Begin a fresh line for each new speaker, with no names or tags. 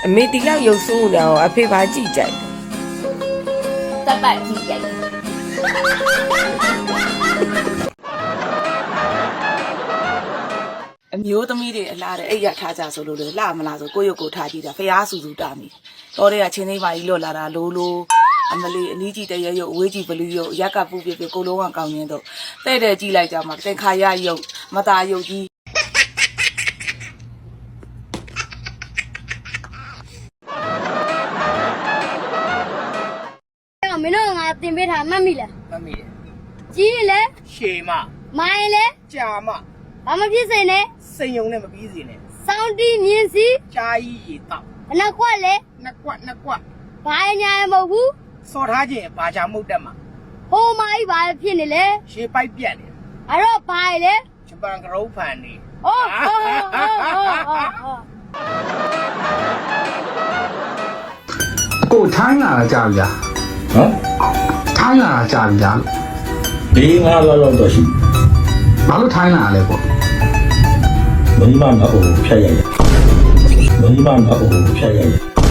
အမေဒီလောက်ရုပ်ဆိုးနေတာကိုအဖေပါကြည့်ကြိုက်
တက်ပတ်ကြည့်ကြိုက်
အမျိုးသမီးတွေအလားတဲ့အိတ်ရထားကြဆိုလို့လေလှမလားဆိုကိုရုပ်ကိုထားကြည့်တာဖျားဆူဆူတာမိတော်တဲ့ကချင်းသိမ်းပါကြီးလွတ်လာတာလိုအမလေးအနီးကြီးတရရုပ်အဝေးကြီးဘလူးရုပ်ရက်ကပူပြပြကိုလုံးဝကောင်းရင်းတော့တဲ့တဲ့ကြည့်လိုက်ကြမှာတင်ခါရရုပ်မသားရုပ်ကြီး
မင်းတို့ငါတင်ပေးထားမှတ်မိလား
မမေ
ကြီးလေ
ရှေမ
မိုင်းလေ
ကြာမ
ဘာမဖြစ်စေနဲ့
စိန်ယုံနဲ့မပြီးစေနဲ့
စောင်းတီးမြင်းစီ
ကြာကြီးရေတောက်
ဘနောက်ကွက်လေ
နှစ်ကွက်
ဘာညာမဟုတ်ဘူး
စော်ထားခြင်းဘာချာမှုတ်တက်မှာ
ဟိုမိုင်းဘာဖြစ်နေလဲ
ရှေးပိုက်ပြက်နေ
အဲ့တော့ဘာလေ
ဂျပန်ကရုပ်ဖန်နေ
ဟောဟောဟောဟော
ကိုထိုင်းလာတာကြာပြီလား
ဟမ်
ထိုင်းလာတာကြာပြီလား
ဒီငါလောက်တော့ရှိ
ဘာလို့ထိုင်းလာလဲပေါ့
မင်းမမအိုဖြတ်ရရမင်းမမအိုဖြတ်ရရ